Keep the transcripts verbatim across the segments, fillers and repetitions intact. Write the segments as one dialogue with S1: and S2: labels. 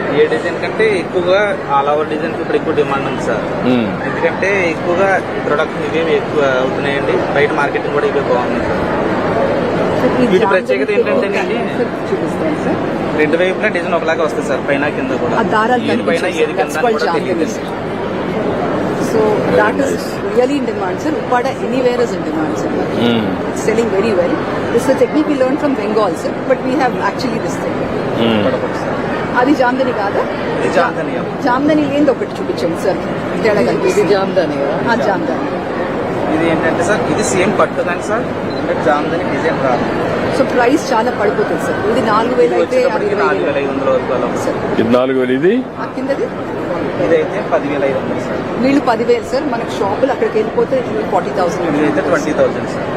S1: ఏ design కంటే ఎక్కువగా all over design ఇప్పుడు ఎక్కువ డిమాండ్ ఉంది సార్. ఎందుకంటే ఎక్కువగా ప్రొడక్ట్ ఇవే ఎక్కువ అవుతున్నాయండి. బయట మార్కెటింగ్ కూడా ఇవే బాగుంది సార్. వీటి ప్రత్యేకత ఏంటంటే రెండు వైపులా డిజైన్ ఒకలాగా వస్తుంది సార్, పైన కింద కూడా. ఏది పైన ఏది కింద కూడా తెలియదు.
S2: So that is really in demand, sir. Uppada anywhere is in demand, sir. Mm. It's selling very well. This is a technique we learned from Bengal, sir. But we have actually this thing. అది జామ్దని కాదా? జామ్దని ఏంది ఒకటి చూపించండి sir. తేడా కనిపిస్తుంది. జామ్దని జామ్దని
S1: ఇది ఏంటంటే sir, ఇది సేమ్ పట్టు కానీ సార్, జామ్దని డిజైన్ రాదు.
S2: సో ప్రైస్ చాలా పడిపోతుంది సార్. ఇది నాలుగు వేలు అయితే
S1: నాలుగు వేల ఐదు వందల వరకు అలా సార్.
S3: ఇది నాలుగు వేలు, ఇది
S2: కిందది
S1: ఇదైతే పదివేల ఐదు వందలు సార్.
S2: వీళ్ళు పదివేలు సార్. మనకు షాపులు అక్కడికి వెళ్ళిపోతే ఫార్టీ థౌసండ్
S1: అయితే ట్వంటీ థౌసండ్ సార్.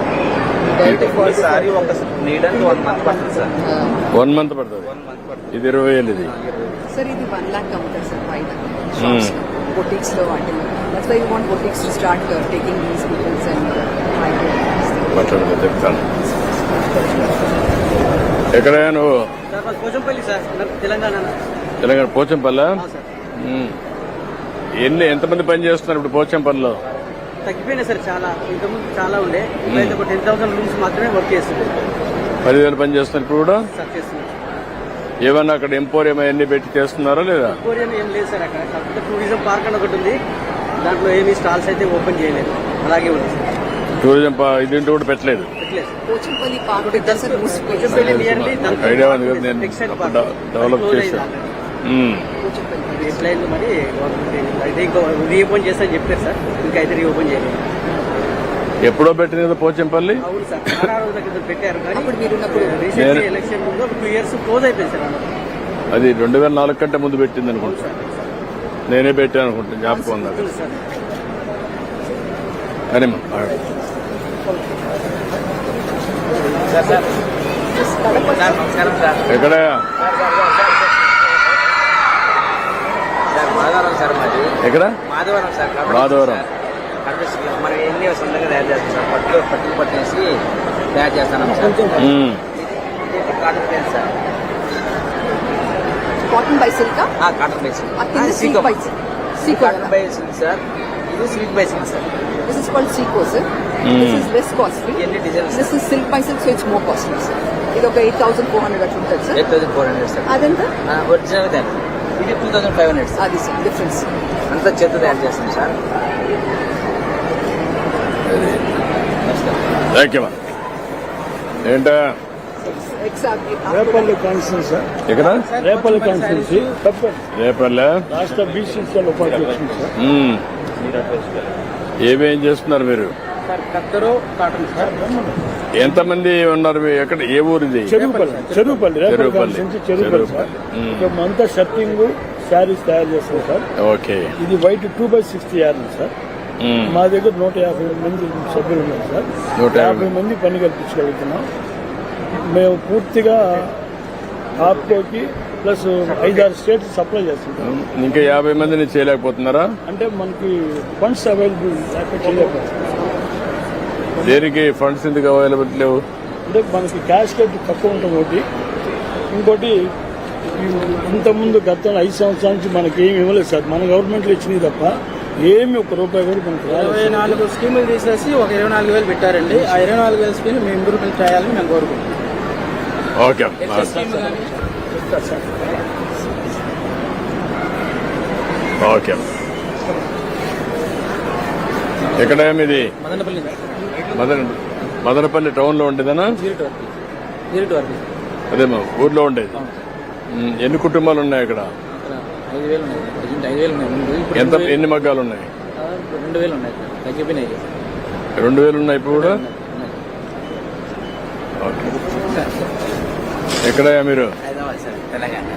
S1: సారీ ఒక నీడానికి వన్ మంత్ పడుతుంది సార్.
S3: వన్ మంత్ పడుతుంది. ఇది ఇరవై వేలు. ఇది
S2: సార్ ఇది వన్ లాక్ అమ్ముతారు సార్ బయట బొటిక్స్ లో వాటిలో. That's why you want boutiques to start taking these peoples and
S3: మాట్లాడదు చెప్తాను. ఎక్కడయ్యా నువ్వు?
S1: పోచంపల్లి సార్, తెలంగాణ.
S3: తెలంగాణ పోచంపల్లి. ఎన్ని ఎంతమంది పని చేస్తున్నారు ఇప్పుడు పోచంపల్లిలో?
S1: తగ్గిపోయినాయి సార్ చాలా. ఇంతకుముందు చాలా ఉండే, ఇప్పుడైతే ఒక టెన్ థౌసండ్ రూమ్స్ మాత్రమే వర్క్ చేస్తుంది.
S3: పదివేలు పని చేస్తున్నారు ఇప్పుడు కూడా?
S1: సార్ చేస్తున్నారు.
S3: ఏమన్నా అక్కడ ఎంపోరియం అవన్నీ పెట్టి చేస్తున్నారా లేదా?
S1: ఎంపోరియం ఏం లేదు సార్ అక్కడ. కాకపోతే టూరిజం పార్క్ అని ఒకటి ఉంది, దాంట్లో ఏమి స్టాల్స్ అయితే ఓపెన్ చేయలేదు, అలాగే ఉంది సార్.
S3: టూరిజం ఇదింటి కూడా పెట్టలేదు.
S2: పోచంపల్లి పార్క్
S3: ఐడియా ఉంది కదా, నేను డెవలప్ చేశాను.
S1: మరి అయితే ఇంకో రీఓపెన్ చేస్తా చెప్పారు సార్. ఇంకా అయితే రీఓపెన్ చేయలేదు.
S3: ఎప్పుడో పెట్టింది కదా పోచంపల్లి?
S1: అవును సార్, చాలా రోజుల క్రితం పెట్టారు. కానీ రీసెంట్లీ ఎలక్షన్ ముందు ఒక టూ ఇయర్స్ క్లోజ్ అయిపోయింది సార్.
S3: అది రెండు వేల నాలుగు కంటే ముందు పెట్టింది అనుకుంటా. నేనే పెట్టాను అనుకుంటా, జ్ఞాపకం ఉంది. అని ఎక్కడ?
S1: మాధవరం సార్ మాది.
S3: ఎక్కడ?
S1: మాధవరం సార్.
S3: మాధవరం
S1: మరి ఎన్ని సొంతంగా తయారు చేస్తాం సార్. పట్టు పట్టుకు పట్టేసి తయారు చేస్తాను sir. Cotton place sir.
S2: Cotton by silk.
S1: Cotton by silk.
S2: Cotton
S1: by silk sir. ఇది silk by silk sir.
S2: This is called Seco, sir. Mm. This is less costly. This is silk by silk, so it's more costly, sir. ఇది ఒక eight thousand four hundred అట్లా ఉంటుంది sir.
S1: Eight thousand four hundred sir.
S2: అదంతా
S1: original దాన్ని. ఇది two thousand five hundred sir.
S2: అది sir difference.
S1: అంతా చేత తయారు చేస్తాం సార్.
S3: ఏంటా?
S4: Repalle constituency sir.
S3: ఎక్కడ?
S4: రేపల్లి కాన్స్టిట్యూన్సీ.
S3: రేపల్లె
S4: రాష్ట్ర బీసీసీ ఉపాధ్యక్షుడు సార్.
S3: ఏమేం చేస్తున్నారు మీరు?
S1: కత్తరు కాటన్ సార్.
S3: ఎంతమంది ఉన్నారు? ఎక్కడ, ఏ ఊరు ఇది?
S4: చెరువుపల్లి. చెరువుపల్లి రేపల్లి చెరువుపల్లి సార్. అంతా షర్టింగ్ శారీస్ తయారు చేస్తాం సార్.
S3: ఓకే.
S4: ఇది white two by sixty yard sir. మా దగ్గర నూట యాభై మంది సభ్యులు ఉన్నారు సార్. నూట యాభై మంది పని కల్పించగలుగుతున్నాం. మేము పూర్తిగా ఆప్కోకి ప్లస్ ఐదారు స్టేట్స్ సప్లై చేస్తుంటాం.
S3: ఇంకా యాభై మందిని చేయలేకపోతున్నారా?
S4: అంటే మనకి ఫండ్స్ అవైలబుల్ చేయలేకపోతున్నాం.
S3: దేనికి ఫండ్స్ ఎందుకు అవైలబుల్ లేవు?
S4: అంటే మనకి క్యాష్ కట్ తక్కువ ఉంటుంది ఒకటి. ఇంకోటి ఇంతకుముందు గత ఐదు సంవత్సరాల నుంచి మనకి ఏమి ఇవ్వలేదు సార్. మన గవర్నమెంట్లో ఇచ్చినవి తప్ప ఏమి ఒక రూపాయి కూడా మనకి
S1: ఇరవై నాలుగు స్కీములు తీసేసి ఒక ఇరవై నాలుగు వేలు పెట్టారండి. ఆ ఇరవై నాలుగు వేల స్కీమ్ మేము ఇంప్రూవ్మెంట్ చేయాలని మేము కోరుకుంటున్నాం.
S3: ఓకే. ఓకే. ఎక్కడ మీది?
S1: మదనపల్లి.
S3: మదన మదనపల్లి టౌన్ లో ఉండేదనా? అదే మా ఊర్లో ఉండేది. ఎన్ని కుటుంబాలు ఉన్నాయి అక్కడ? ఎంత, ఎన్ని మగ్గాలు ఉన్నాయి?
S1: రెండు వేలు ఉన్నాయి. తగ్గిపోయినాయి.
S3: రెండు వేలు ఉన్నాయి ఇప్పుడు కూడా. ఓకే. ఎక్కడయ్యా మీరు?
S1: హైదరాబాద్ సార్, తెలంగాణ.